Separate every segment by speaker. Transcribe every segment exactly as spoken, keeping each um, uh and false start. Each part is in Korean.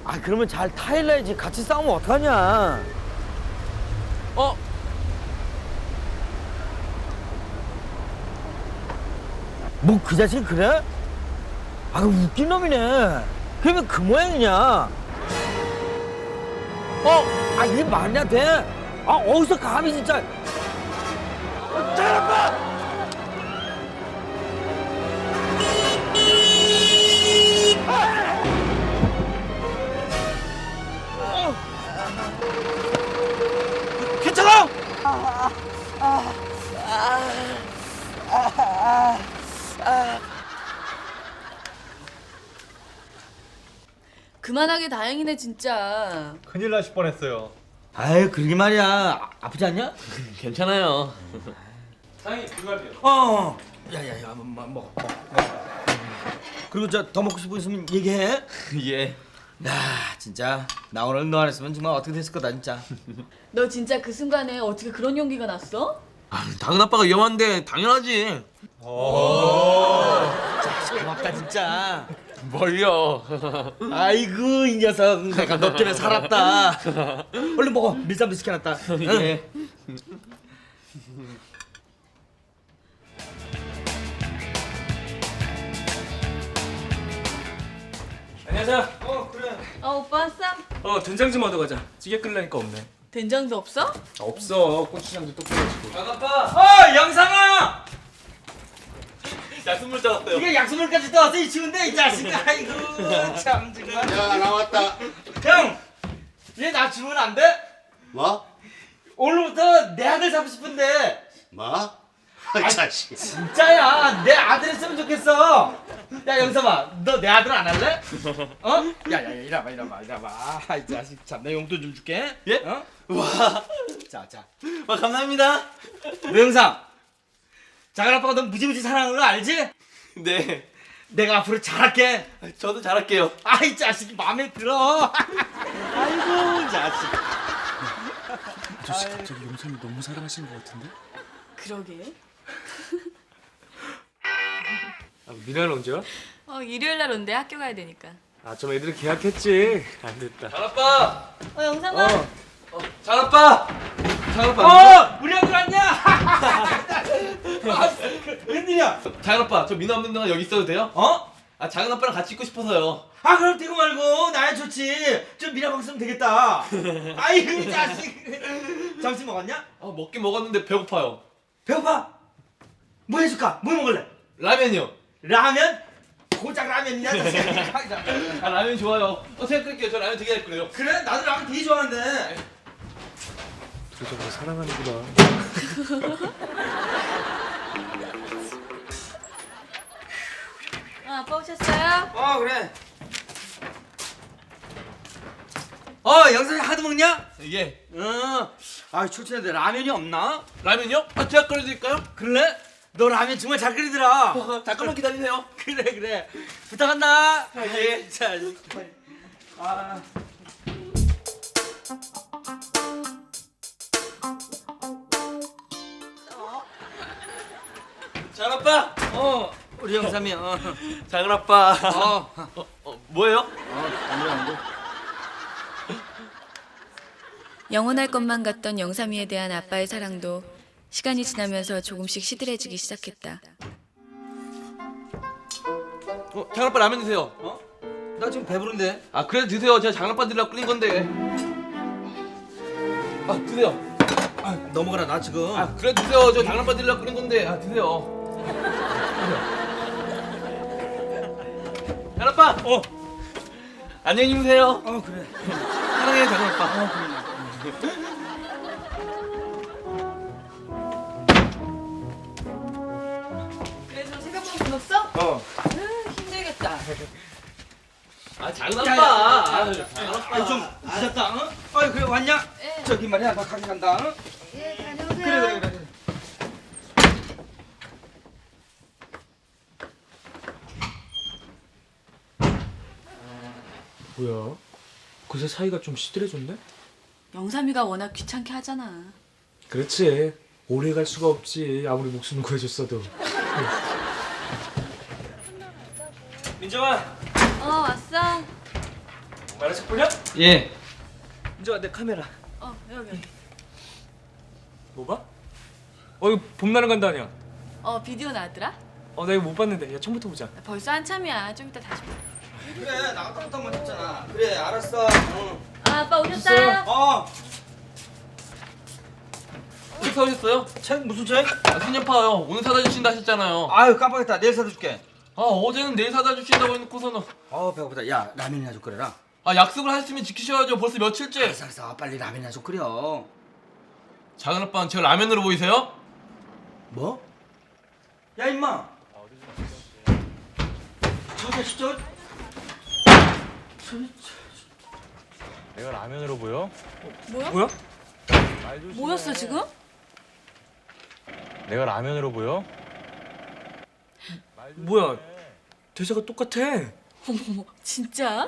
Speaker 1: 아 그러면 잘 타일러야지. 같이 싸우면 어떡하냐.
Speaker 2: 어?
Speaker 1: 뭐 그 자식 그래? 아 웃긴 놈이네. 그러면 그 모양이냐? 어? 아 이게 말이나 돼? 아 어디서 감히 진짜. 잘 아파! 괜찮아?
Speaker 3: 그만하게 다행이네 진짜.
Speaker 2: 큰일 나실 뻔했어요.
Speaker 1: 아유 그러게 말이야. 아, 아프지 않냐?
Speaker 2: 괜찮아요. 사장님 불갈비요.
Speaker 1: 어. 야야야 먹어 먹어 먹어. 그리고 저 더 먹고 싶은 있으면 얘기해.
Speaker 2: 예.
Speaker 1: 야 진짜 나 오늘 너 안 했으면 정말 어떻게 됐을 거다 진짜.
Speaker 3: 너 진짜 그 순간에 어떻게 그런 용기가 났어?
Speaker 2: 아, 작은 아빠가 위험한데 당연하지.
Speaker 1: 고맙다 진짜.
Speaker 2: 뭘요?
Speaker 1: 아이고 이 녀석 내가 너 때문에 살았다. 얼른 먹어. 밀쌈도 시켜놨다.
Speaker 2: 예.
Speaker 4: 안녕하세요.
Speaker 1: 어 그래.
Speaker 3: 어 오빠 왔어?
Speaker 4: 어 된장 좀 얻어 가자. 찌개 끓이려니까 없네.
Speaker 3: 된장도 없어?
Speaker 4: 아, 없어. 고추장도 또 끓여가지고.
Speaker 1: 아빠. 어 영상아.
Speaker 2: 약수물 짜왔어요.
Speaker 1: 이게 약수물까지 떠왔어 이 추운데 이 자식. 아이고 참 정말.
Speaker 5: 야 나왔다.
Speaker 1: 형. 얘 나 주면 안 돼?
Speaker 5: 뭐?
Speaker 1: 오늘부터 내 아들 잡고 싶은데.
Speaker 5: 뭐? 아 자식.
Speaker 1: 진짜야 내 아들 했으면 좋겠어. 야 영삼아 너 내 아들 안 할래? 어? 야야야 이리와봐 이리와봐 이리와봐. 아이 자식 참 내 용돈 좀 줄게.
Speaker 2: 예?
Speaker 1: 어?
Speaker 2: 와,
Speaker 1: 자자
Speaker 2: 와 감사합니다.
Speaker 1: 너 영삼 작은 아빠가 너 무지무지 사랑하는 거 알지?
Speaker 2: 네,
Speaker 1: 내가 앞으로 잘할게.
Speaker 2: 저도 잘할게요.
Speaker 1: 아이 자식이 마음에 들어. 아이고 자식.
Speaker 4: 아저씨 갑자기 용삼이 너무 사랑하시는 것 같은데?
Speaker 3: 그러게.
Speaker 4: 아, 미나는 언제 와?
Speaker 3: 어 일요일 날 온대 학교 가야 되니까.
Speaker 4: 아 좀 애들이 계약했지. 안 됐다.
Speaker 2: 장 아빠,
Speaker 3: 어 영상아.
Speaker 2: 어, 장 아빠, 장 아빠.
Speaker 1: 어 우리 아들 왔냐? 아, 그, 웬일이야?
Speaker 2: 장 아빠, 저 민호 없는 동안 여기 있어도 돼요?
Speaker 1: 어?
Speaker 2: 아 작은 아빠랑 같이 있고 싶어서요.
Speaker 1: 아 그럼 되고 말고 나야 좋지. 좀 미라방 쓰면 되겠다. 아이고 이 자식. 점심 먹었냐?
Speaker 2: 아 먹긴 먹었는데 배고파요.
Speaker 1: 배고파? 뭐 해줄까? 뭐 먹을래?
Speaker 2: 라면이요.
Speaker 1: 라면? 고작 라면이냐? 자식.
Speaker 2: 아 라면 좋아요. 어 제가 끓일게요. 저 라면 되게 잘 끓여요.
Speaker 1: 그래 나도 라면 되게 좋아하는데.
Speaker 4: 둘이 정말 사랑하는구나.
Speaker 3: 어, 아빠 오셨어요?
Speaker 1: 어 그래. 어 영상이 하도 먹냐?
Speaker 2: 예.
Speaker 1: 어. 아 초치는데 라면이 없나?
Speaker 2: 라면요? 아 제가 끓여드릴까요?
Speaker 1: 그래? 너 라면 정말 잘 끓이더라.
Speaker 2: 어, 잠깐만 기다리세요.
Speaker 1: 그래 그래. 부탁한다.
Speaker 2: 아, 예.
Speaker 1: 자. 아.
Speaker 2: 장 아빠,
Speaker 1: 어 우리 영삼이 어.
Speaker 2: 작은 아빠.
Speaker 1: 어.
Speaker 2: 어, 어 뭐예요?
Speaker 1: 어 아무래도
Speaker 3: 영원할 것만 같던 영삼이에 대한 아빠의 사랑도 시간이 지나면서 조금씩 시들해지기 시작했다.
Speaker 2: 어, 장 아빠 라면 드세요.
Speaker 1: 어? 나 지금 배부른데.
Speaker 2: 아 그래 드세요. 제가 장 아빠 드리려고 끓인 건데. 아 드세요.
Speaker 1: 아 넘어가라 나 지금.
Speaker 2: 아 그래 드세요. 저 장 아빠 드리려고 끓인 건데. 아 드세요. 장 아빠.
Speaker 1: 어.
Speaker 2: 안녕히 주무세요.
Speaker 1: 어 그래.
Speaker 2: 사랑해요 장 아빠.
Speaker 1: 어 그래.
Speaker 3: 그래서 새벽만 굶었어?
Speaker 1: 어.
Speaker 3: 으, 힘들겠다.
Speaker 2: 아 장
Speaker 1: 야, 야,
Speaker 2: 아빠.
Speaker 1: 야, 야, 아, 좀 늦었다. 어? 아이 그래 왔냐?
Speaker 3: 예.
Speaker 1: 저기 말이야 나 가게 간다. 어?
Speaker 3: 예, 다녀오세요.
Speaker 1: 그래 그래 그래.
Speaker 4: 뭐야? 그새 사이가 좀 시들해졌네?
Speaker 3: 영삼이가 워낙 귀찮게 하잖아.
Speaker 4: 그렇지. 오래 갈 수가 없지. 아무리 목숨을 구해줬어도.
Speaker 1: 민정아.
Speaker 3: 어 왔어.
Speaker 4: 만화책 보냐?
Speaker 2: 예.
Speaker 4: 이제 내 카메라.
Speaker 3: 어 여기 여기.
Speaker 4: 뭐 봐? 어 이거 봄나는 간다 아니야?
Speaker 3: 어 비디오 나왔더라?
Speaker 4: 어 나 이거 못 봤는데. 야 처음부터 보자.
Speaker 3: 벌써 한참이야. 좀 이따 다시 봐.
Speaker 1: 그래 나 깜짝만 했잖아. 그래 알았어. 응.
Speaker 3: 아 아빠 오셨어요?
Speaker 1: 어.
Speaker 2: 책 사오셨어요?
Speaker 1: 책 무슨 책?
Speaker 2: 아, 손녀파요. 오늘 사다 주신다 하셨잖아요.
Speaker 1: 아유 깜빡했다. 내일 사다 줄게.
Speaker 2: 아 어제는 내일 사다 주신다고 해놓고서는.
Speaker 1: 어 배고프다. 야 라면이나 좀 끓여라.
Speaker 2: 아 약속을 하셨으면 지키셔야죠. 벌써 며칠째.
Speaker 1: 알았어 알았어. 빨리 라면이나 좀 끓여.
Speaker 2: 작은 아빠는 제 라면으로 보이세요?
Speaker 1: 뭐? 야 임마. 저 자식 저.
Speaker 6: 내가 라면으로 보여?
Speaker 3: 뭐야?
Speaker 4: 뭐야?
Speaker 6: 말 조심해.
Speaker 3: 뭐였어 지금?
Speaker 6: 내가 라면으로 보여?
Speaker 4: 뭐야? 대사가 똑같아.
Speaker 3: 어머머 진짜?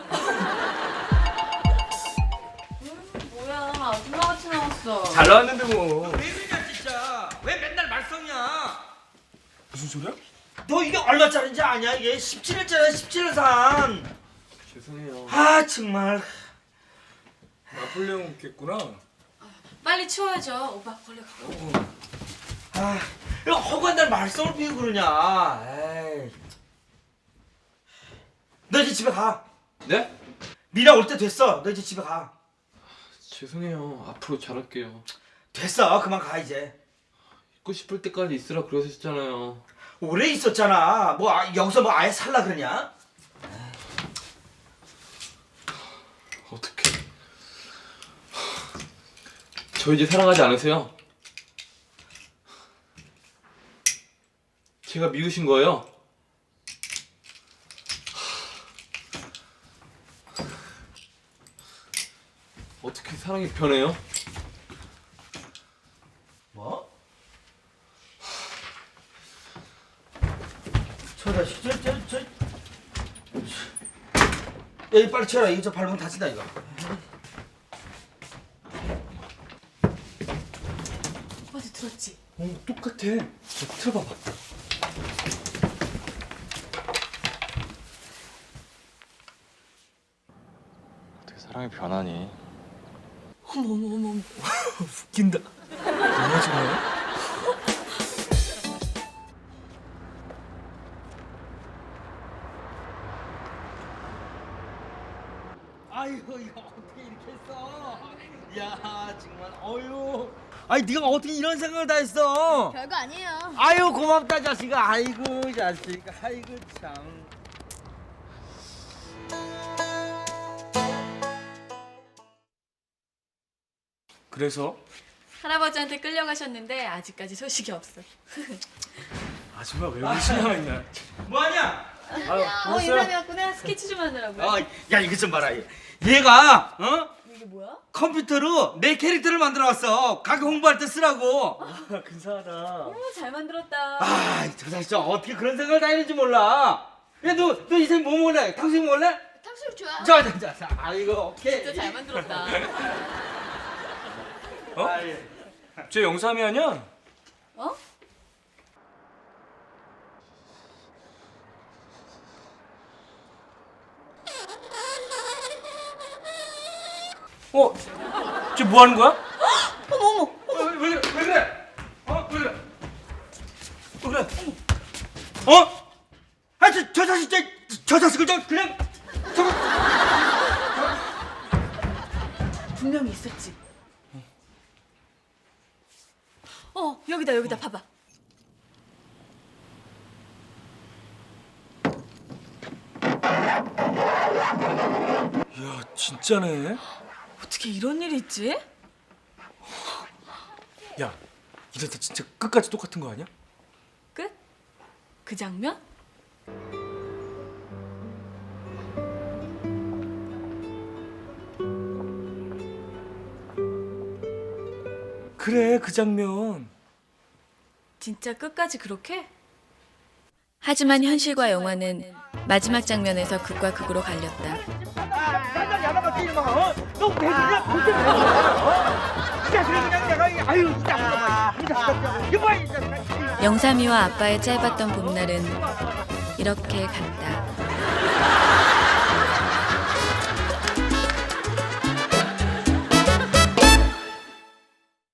Speaker 3: 음, 뭐야 아줌마같이 나왔어.
Speaker 4: 잘 나왔는데 뭐.
Speaker 1: 왜 그러냐 진짜. 왜 맨날 말썽이야.
Speaker 4: 무슨 소리야?
Speaker 1: 너 이게 얼마짜리인지 아냐 이게 십칠 일짜리야 십칠 일 산.
Speaker 2: 죄송해요.
Speaker 1: 아 정말.
Speaker 4: 나폴레옹 있겠구나.
Speaker 3: 빨리 치워야죠. 오빠 걸려.
Speaker 1: 아 이거 허구한 날 말썽을 피우고 그러냐. 에이. 너 이제 집에 가.
Speaker 2: 네?
Speaker 1: 미라 올 때 됐어. 너 이제 집에 가.
Speaker 2: 죄송해요. 앞으로 잘할게요.
Speaker 1: 됐어. 그만 가 이제.
Speaker 2: 있고 싶을 때까지 있으라 그러셨잖아요.
Speaker 1: 오래 있었잖아. 뭐 아, 여기서 뭐 아예 살라 그러냐?
Speaker 2: 어떡해. 저 이제 사랑하지 않으세요? 제가 미우신 거예요? 어떻게 사랑이 변해요?
Speaker 1: 뭐? 저 자식 저저 저. 야 이거 빨리 치워라. 이거 저 밟으면 다친다 이거.
Speaker 3: 오빠도 들었지?
Speaker 4: 어 똑같아. 저 틀어봐봐.
Speaker 6: 어떻게 사랑이 변하니?
Speaker 3: 어머 어머 어머. 어머.
Speaker 4: 웃긴다. 뭐야 정말?
Speaker 1: 아이고 이거 어떻게 이렇게 했어? 야 정말 어유. 아니 네가 어떻게 이런 생각을 다 했어?
Speaker 7: 별거 아니에요.
Speaker 1: 아유 고맙다 자식아. 아이고 자식. 아이고 참.
Speaker 4: 그래서
Speaker 3: 할아버지한테 끌려가셨는데 아직까지 소식이 없어.
Speaker 4: 아줌마 왜 우리 신경 있냐?
Speaker 1: 뭐하냐?
Speaker 4: 아,
Speaker 3: 어 유람이었구나. 스케치 좀 하느라고요.
Speaker 1: 어, 야 이거 좀 봐라. 얘. 얘가 어?
Speaker 3: 이게 뭐야?
Speaker 1: 컴퓨터로 내 캐릭터를 만들어 왔어. 가게 홍보할 때 쓰라고.
Speaker 4: 근사하다.
Speaker 3: 어머 잘 만들었다.
Speaker 1: 아, 저 자식 저 어떻게 그런 생각을 다 했는지 몰라. 야, 너, 너 이제 뭐 먹을래? 탕수육 먹을래?
Speaker 7: 탕수육 좋아.
Speaker 1: 자, 자, 자, 자. 아이고, 오케이.
Speaker 3: 진짜 잘 만들었다.
Speaker 4: 어?
Speaker 1: 아이,
Speaker 4: 쟤 영삼이 아니야?
Speaker 3: 어?
Speaker 4: 어? 쟤 뭐 하는 거야?
Speaker 3: 어머 어머.
Speaker 1: 어, 왜, 왜, 그래? 왜 그래? 어, 왜 그래? 왜 그래? 어? 아, 저, 저 자식, 저, 저 자식을 저 그냥 저거.
Speaker 3: 분명히 있었지. 어 여기다 여기다 봐봐.
Speaker 4: 이야 진짜네.
Speaker 3: 어떻게 이런 일이 있지?
Speaker 4: 야 이러다 진짜 끝까지 똑같은 거 아니야?
Speaker 3: 끝? 그 장면?
Speaker 4: 그래 그 장면.
Speaker 3: 진짜 끝까지 그렇게? 하지만 현실과 영화는 마지막 장면에서 극과 극으로 갈렸다. 영삼이와 아빠의 짧았던 봄날은 이렇게 갔다.